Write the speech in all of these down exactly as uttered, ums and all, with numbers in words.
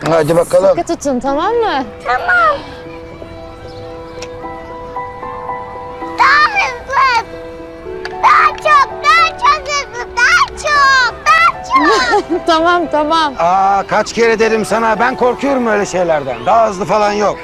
Hadi bakalım. Sıkı tutun, tamam mı? Tamam. Daha hızlı. Daha çok, daha çok hızlı. Daha çok, daha çok. Tamam, tamam. Aa, kaç kere dedim sana, ben korkuyorum öyle şeylerden. Daha hızlı falan yok.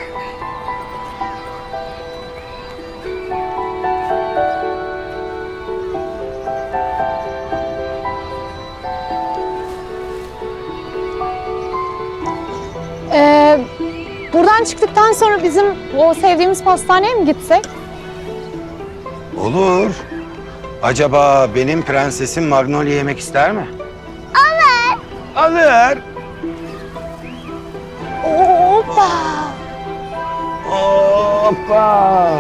Ee, buradan çıktıktan sonra bizim o sevdiğimiz pastaneye mi gitsek? Olur. Acaba benim prensesim Magnolia yemek ister mi? Olur. Alır. Hoppa! Hoppa.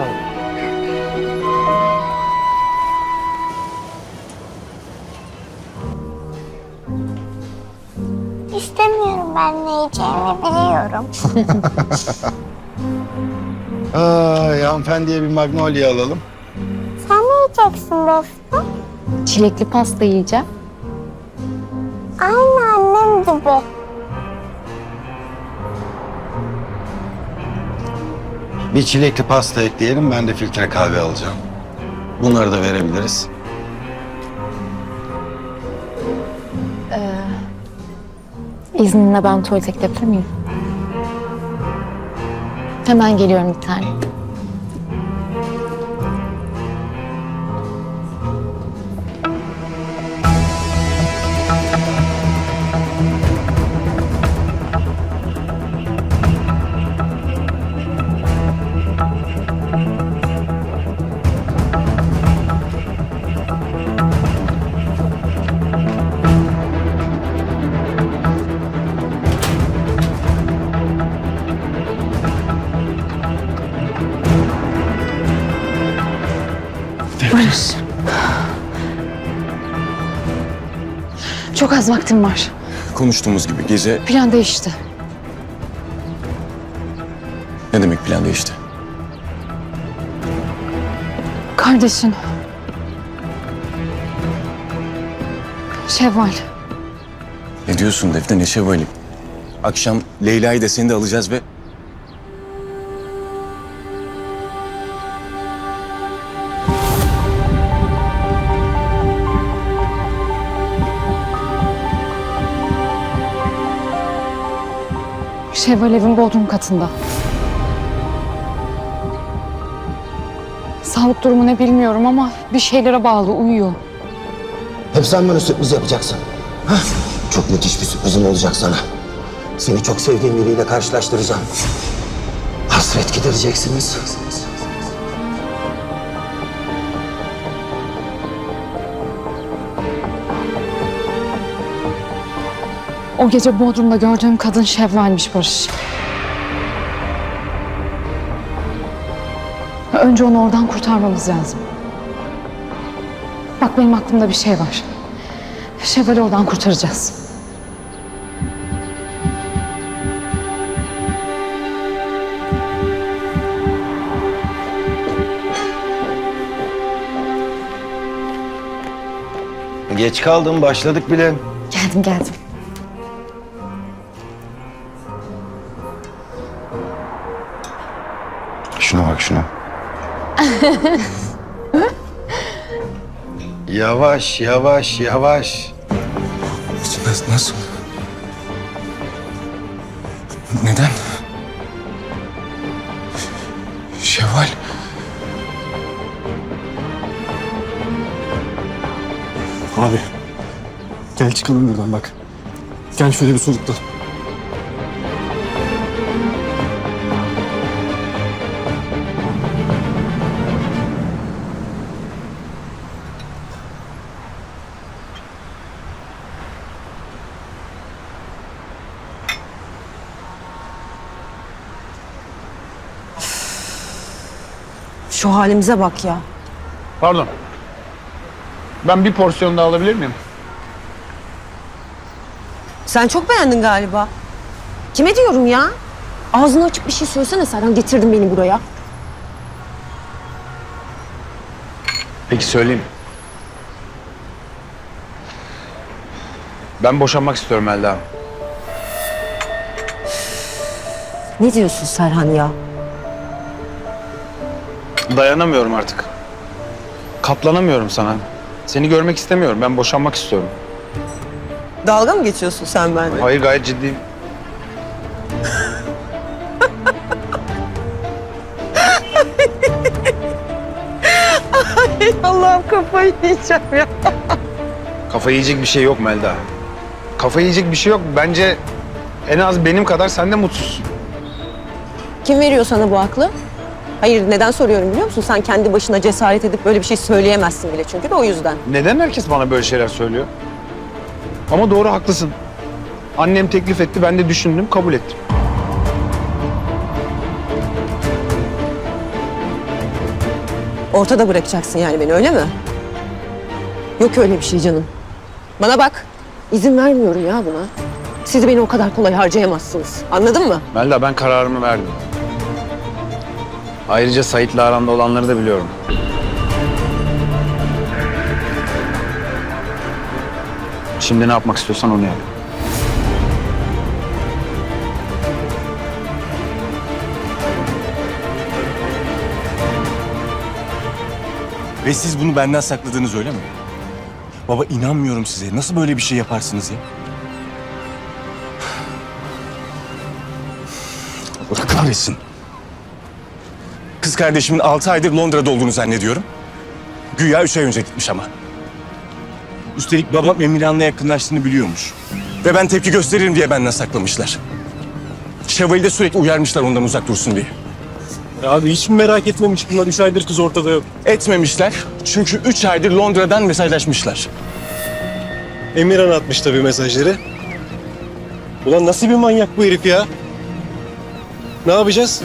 İstemiyorum, ben ne yiyeceğimi biliyorum. Ay, hanımefendiye bir Magnolia alalım. Sen ne yiyeceksin dostum? Çilekli pasta yiyeceğim. Aynı annem gibi. Bir çilekli pasta ekleyelim, ben de filtre kahve alacağım. Bunları da verebiliriz. İzninle ben tuvalete gidebilir miyim? Hemen geliyorum bir tane. Barış. Çok az vaktim var. Konuştuğumuz gibi gece Plan değişti. ne demek plan değişti? Kardeşin. Şevval. Ne diyorsun Defne, ne şevvali? Akşam Leyla'yı da seni de alacağız ve... Şevval evin bodrum katında. Sağlık durumu ne bilmiyorum ama bir şeylere bağlı, uyuyor. Hep sen bana sürpriz yapacaksın. Hah, çok müthiş bir sürprizim olacak sana. Seni çok sevdiğim biriyle karşılaştıracağım. Hasret gidereceksiniz. O gece bodrumda gördüğüm kadın Şevval'miş Barış. Önce onu oradan kurtarmamız lazım. Bak benim aklımda bir şey var. Şevval'i oradan kurtaracağız. Geç kaldım, başladık bile. Geldim geldim. Şuna bak, şuna. Yavaş, yavaş, yavaş. Nasıl? nasıl? Neden? Şevval. Abi, gel çıkalım buradan bak. Gel şöyle bir soluklan. Şu halimize bak ya. Pardon. Ben bir porsiyon daha alabilir miyim? Sen çok beğendin galiba. Kime diyorum ya? Ağzını açıp bir şey söylesene Serhan. Getirdin beni buraya. Peki söyleyeyim. Ben boşanmak istiyorum Elda. Ne diyorsun Serhan ya? Dayanamıyorum artık. Katlanamıyorum sana. Seni görmek istemiyorum. Ben boşanmak istiyorum. Dalga mı geçiyorsun sen benimle? Hayır, gayet ciddiyim. Allah'ım kafayı yiyeceğim ya. Kafa yiyecek bir şey yok Melda. Kafa yiyecek bir şey yok. Bence en az benim kadar sen de mutsuzsun. Kim veriyor sana bu aklı? Hayır, neden soruyorum biliyor musun? Sen kendi başına cesaret edip böyle bir şey söyleyemezsin bile çünkü de o yüzden. Neden herkes bana böyle şeyler söylüyor? Ama doğru, haklısın. Annem teklif etti, ben de düşündüm, kabul ettim. Ortada bırakacaksın yani beni, öyle mi? Yok öyle bir şey canım. Bana bak, izin vermiyorum ya buna. Siz beni o kadar kolay harcayamazsınız. Anladın mı? Melda, ben kararımı verdim. Ayrıca Sait'le aranda olanları da biliyorum. Şimdi ne yapmak istiyorsan onu yap. Ve siz bunu benden sakladınız, öyle mi? Baba, inanmıyorum size. Nasıl böyle bir şey yaparsınız ya? Allah kahretsin. Kız kardeşimin altı aydır Londra'da olduğunu zannediyorum. Güya üç ay önce gitmiş ama. Üstelik babam Emirhan'la yakınlaştığını biliyormuş. Ve ben tepki gösteririm diye benden saklamışlar. Şevval'i de sürekli uyarmışlar ondan uzak dursun diye. Abi hiç mi merak etmemiş bunlar? Üç aydır kız ortada yok. Etmemişler çünkü üç aydır Londra'dan mesajlaşmışlar. Emirhan atmış tabii mesajları. Ulan nasıl bir manyak bu herif ya? Ne yapacağız?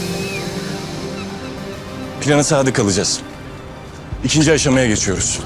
Plana sadık kalacağız. İkinci aşamaya geçiyoruz.